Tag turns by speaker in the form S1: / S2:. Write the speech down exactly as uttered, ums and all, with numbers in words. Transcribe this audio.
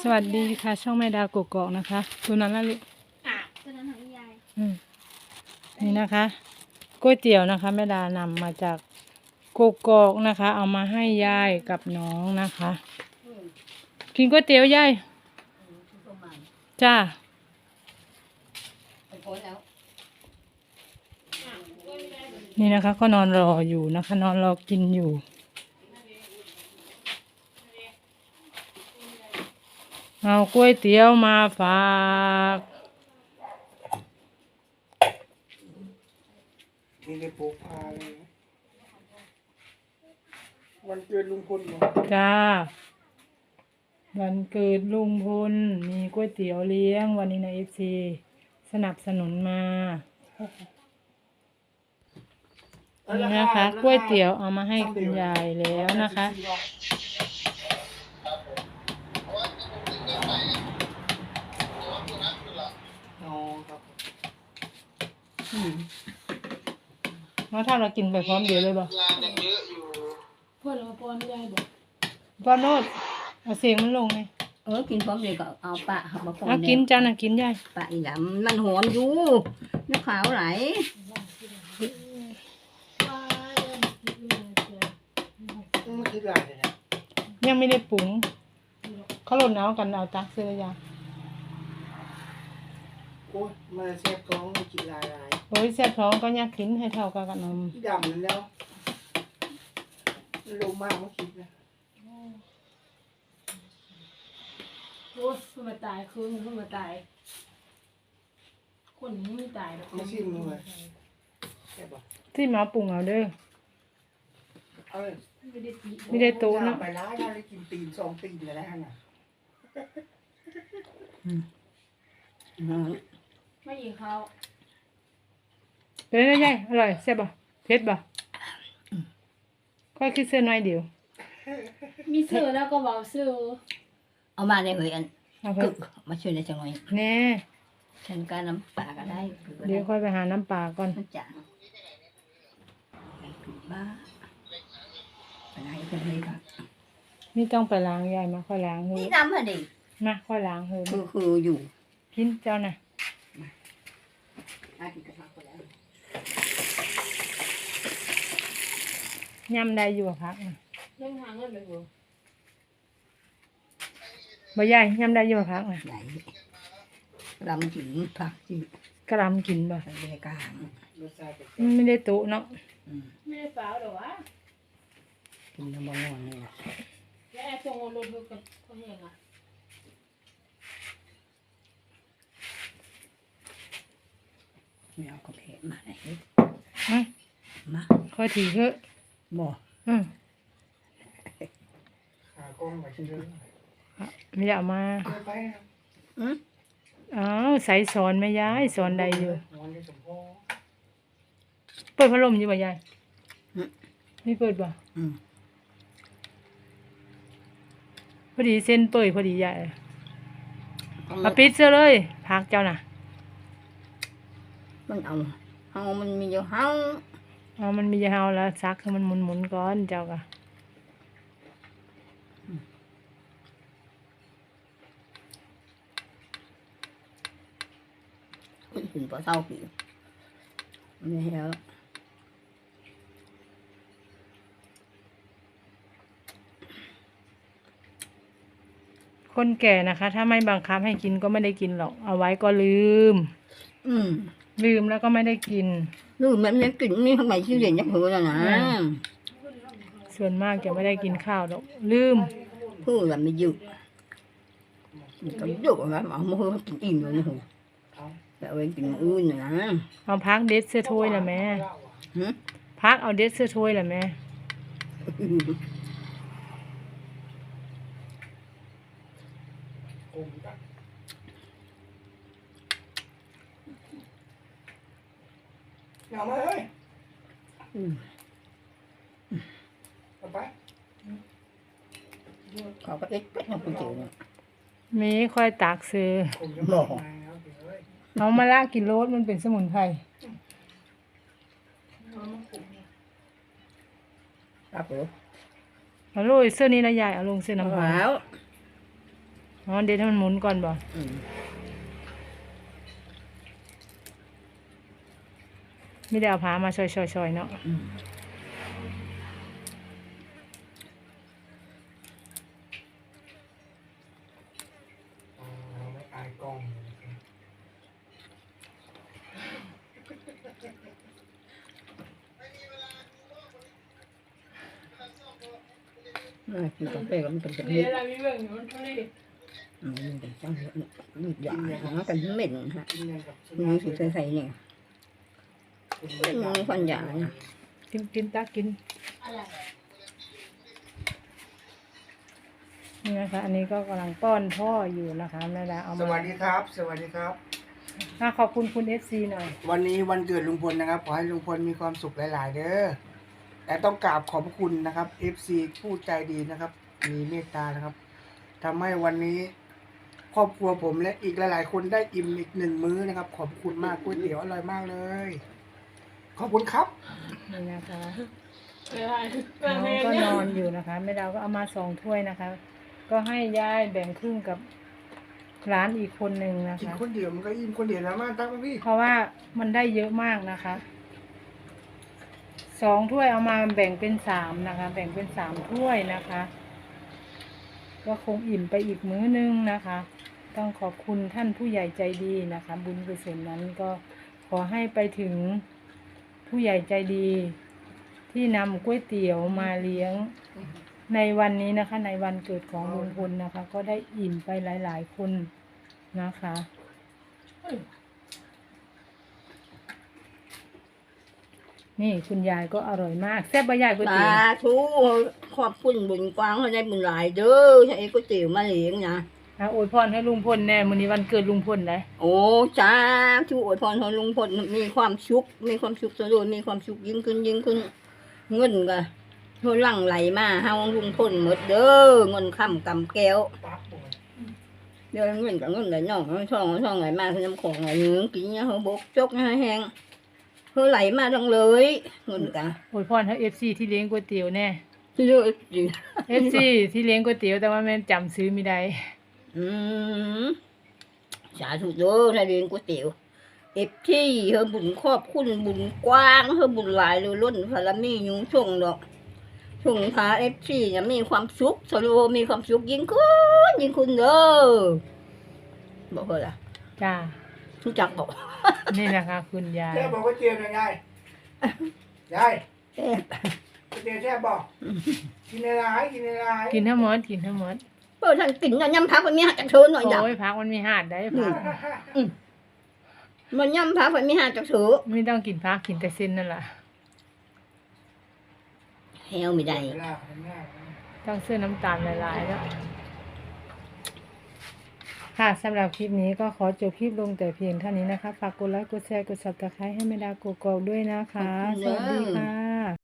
S1: สวัสดีค่ะช่องแม่ดาวกกอกนะคะตัวนั้นละลูก
S2: ตัวนั้นของยาย
S1: อืมนี่นะคะก๋วยเตี๋ยวนะคะแม่ดานำมาจากกกอกนะคะ เอามาให้ยายกับน้องนะคะกินก๋วยเตี๋ยวยายจ้านี่นะคะก็นอนรออยู่นะคะ นอนรอกินอยู่เอาก๋วยเตี๋ยวมาฝาก
S3: นี่ได้ปลูกพาเลยวันเกิดลุงพลเหรอ
S1: จ้าวันเกิดลุงพลมีก๋วยเตี๋ยวเลี้ยงวันนี้ในเอฟซีสนับสนุนมานี่นะคะก๋วยเตี๋ยวเอามาให้คุณยายแล้วนะคะ
S3: อ๋อครับ
S1: น้องถ้าเรากินไปพร้อมเดียวเลยบ่
S2: เพื่อนเราป้อนไม่ได้บอก
S1: ป้อนโนดเอาเสียงมันลงไง
S2: เออกินพร้อมเดียวก็เอาปะมาป้อน
S1: เอากินจ้าน่ะกินยาย
S2: ปะอีหลำมันหอมอยู่น้ำขาวไหล
S3: ไม่คิดอะไรเลยนะ
S1: ยังไม่ได้ปรุงเขาหล่นเอากันเอาตักเสื้อยา
S3: โอ้ยมาเสียบท้องไม่กินลายลาย
S1: โอ้ยแซ่บท้องก็อยากกินให้เท่ากับขนม
S3: ดำนั่นแล้วลงมากไม่คิดนะ
S2: โอ้ยเพิ่งมาตายคืนเพิ่งมาตายคนนี้ไม่ตายหรอก
S3: ไม่ชิมเลยแค่บอก
S1: ที่มาปรุงเอาเด้อ
S3: เอาเลย
S2: ไม่ได้ตี
S1: ไม่ได้โต๊ะนะ
S3: ไปร้านได้กินตีนสองตีนเลยนะฮะน่ะ
S2: ไม่ยิงเขา
S1: เป็นไงยายอร่อยแซ่บบ่เผ็ดบ่ค่อยคิดเส้นน้อยเดียว
S2: มีเสือแล้วก็เบาเสือเอามาในเหยอันกึกมาช่วยในจังหน่อย
S1: แน่
S2: ฉันการน้ำปลาก็ได้
S1: เดี๋ยวค่อยไปหาน้ำปลาก่อน
S2: จ้ะบ้าอะไรกันเลยค่ะ
S1: นี่ต้องไปล้างยายมาค่อยล้างเฮ้ย
S2: นี่น้ำเหรอดิ
S1: มาค่อยล้างเฮ้ย
S2: คือคืออยู่
S1: กินเจ้าน่ะยำได้อยู่พักน่ะ
S2: ยังหาเงินไปบ่
S1: บ่ยายยำได้อยู่พักน่ะ
S2: ไหนลำกินผักจี
S1: กระลำกินบ่
S2: ไม่ได้กลาง
S1: ไม่ได้โต๊ะเนาะ
S2: ไม่ได้เปล่าหรอวะกินน้ำมันนอนนี่แหละแล้วไอ้ตรงรถเขาเขาเห็นอ่ะไม่เอากระเพาะมาไหนมา
S1: ค่อยถือเถอะ
S2: บ่
S1: อืม
S3: หากล้องมาชิ้นเดียว
S1: ไม่อยากมา
S3: ไป
S2: อืม
S1: อ้าวใส่สอนไหมยายสอนใดอยู่เปิดพัดลมอยู่ป่ะยายไม่เปิดป่ะพอดีเส้นเปิดพอดียายมาปิดเสื้อเลยพักเจ้าน่ะ
S2: มันเอาเฮามันมีอยู่เฮา
S1: เอามันมีเฮาแล้วซักให้มันหมุนหมุนก่อนเจ้าก็
S2: ถึงปะเศร้าปีไม่เห็น
S1: คนแก่นะคะถ้าไม่บังคับให้กินก็ไม่ได้กินหรอกเอาไว้ก็ลืม
S2: อืม
S1: ลืมแล้วก็ไม่ได้กิน
S2: ลืมแบบนี้กินนี่ทำไมชื่อเรียนยักษ์หัวนะ
S1: ส่วนมากจะไม่ได้กินข้าวหรอกลืม
S2: พูดแบบไม่หยุดก็หยุดนะหมอมือกินอิ่มเลยนะหัวแต่เอาไปกินอื่นนะ
S1: เอาพักเด็ดเสื้อถ้วยละแม่พักเอาเด็ดเสื้อถ้วยละแม่
S3: เอามาเลยเอาไป
S2: ขอก็เอ็กซ์ไปทำเป็นเจ๋ง
S1: มีค่อยตากซื้อเอามาละกินโรสมันเป็นสมุนไพร
S2: ครับผม
S1: เอาลงเสื้อนี้นะยายเอาลงเสื้อน้ำขาวอ๋อเดี๋ยวให้มันหมุนก่อนบ่
S2: อืม
S1: ไม่ได้เอาผ้ามาช่อยๆๆเนาะ
S2: อืม
S3: อ๋อไม่อายกล้อง
S2: น่ากินกาแฟก็มันเป็นแบบนี้อืมมันเป็นจังเลยนี่หยาหากันเหม็นฮะ
S3: กินยังกับ
S2: นี่สิใส่ๆเนี่ยเป็นมันควันหยาเนี่ย
S1: กินกินตักกินนี่นะคะ อันนี้ก็กำลังป้อนพ่ออยู่นะคะแม่ดาเอา
S3: ส
S1: มา
S3: วัสดีครับ สวัสดีครับ
S1: อ่ะขอบคุณคุณเอฟซีหน่อย
S3: วันนี้วันเกิดลุงพลนะครับ ขอให้ลุงพลมีความสุขหลาย ๆ เด้อแต่ต้องกราบขอบพระคุณนะครับ เอฟ ซี ผู้ใจดีนะครับ มีเมตตานะครับทำให้วันนี้ ครอบครัวผมและอีกหลาย ๆ คนได้อิ่มอีกหนึ่งมื้อนะครับ ขอบคุณมากก๋วยเตี๋ยวอร่อยมากเลย ขอบคุณครับ
S1: นี่นะคะน้องก็นอนอยู่นะคะแม่ดาวก็เอามาสองถ้วยนะคะ ก็ให้ยายแบ่งครึ่งกับร้านอีกคนหนึ่งนะ
S3: กิน
S1: คะ
S3: คนเดียวมันก็อิ่มคนเดียวแล้วมาตั้งมาพี่
S1: เพราะว่ามันได้เยอะมากนะคะสองถ้วยเอามาแบ่งเป็นสามนะคะ แบ่งเป็นสามถ้วยนะคะ ก็คงอิ่มไปอีกมื้อนึงนะคะ ต้องขอบคุณท่านผู้ใหญ่ใจดีนะคะ บุญกุศลนั้นก็ขอให้ไปถึงผู้ใหญ่ใจดี ที่นำก๋วยเตี๋ยวมาเลี้ยงในวันนี้นะคะ ในวันเกิดของลุงพลนะคะ ก็ได้อิ่มไปหลาย ๆ คนนะคะ นี่คุณยายก็อร่อยมากแซ่บใบใหญ่ก๋วย
S2: สา
S1: เตี๋ยว
S2: ธุขอบคุณบุญกว้างเขาได้บุญหลายเด้อใช้ก๋วยเตี๋ยวมาเลี้ยงนะ
S1: นะอวยพรให้ลุงพลแน่มื้อนี้วันเกิดลุงพลเลย
S2: โอ้จ้าทุกอวยพรของลุงพลมีความสุขมีความสุขสะดวกมีความสุขยิ่งขึ้นยิ่งขึ้นเงินก็เท่าหลั่งไหลมาเฮาลุงพลหมดเด้อเงินค่ำกำแก้ว
S3: ปั๊บผม
S2: เดี๋ยวเงินกับเงินไหลน่องช่องช่องไหลมาคือน้ำของไหลหึงกินเนี่ยเขาบกจกเนี่ยแห้งเพื่อไหลมาดังเลยเงินกะ
S1: อวยพรให้ เอฟ ซี ที่เลี้ยงก๋วยเตี๋ยวแน่
S2: ที่เลือกจริง
S1: เอฟ ซี ที่เลี้ยงก๋วยเตี๋ยวแต่ว่าแม่นจำซื้อไม่ได้
S2: อืมสาธุเด้อถ้าเรียนก๋วยเตี๋ยวเอฟที่เฮาบุญครอบคุณบุญกว้างเฮาบุญหลายเลยล้นพารามียุงช่วงดอกช่วงพาเอฟซีเนี่ยมีความสุขสโลมีความสุขยิ่งขึ้นยิ่งขึ้นเด้อบอกเลยล่ะ
S1: จ้า
S2: รู้จักบอก
S1: นี่นะคะคุณยาย
S3: แช่บอกก๋วยเตี๋ยวหน่อยยายยาย
S2: แซ่บ
S3: ก๋วยเตี๋ยวแช่บอกกินในร้านกินในร้าน
S1: กินทั้งหมดกินทั้งหมด
S2: เปิดท่านกินน่ะยำพักมันมีหักจากเชิญหน่อยจ้ะ
S1: โอ้ยพักมันมีหาดได้พัก
S2: มันยำพักมันมีหักจากเชิญ
S1: ไม่ต้องกินพักกินแต่เส้นนั่นแหละ
S2: แฮวไม่ได้
S3: เวลาทำงาน
S1: ต้องซื้อน้ำตาลหลายๆแล้วค่ะสำหรับคลิปนี้ก็ขอจบคลิปลงแต่เพียงเท่านี้นะคะ ฝากกดไลค์กดแชร์กด ซับสไครบ์ให้แม่ดาโกโก้ด้วยนะคะ สวัสดีค่ะ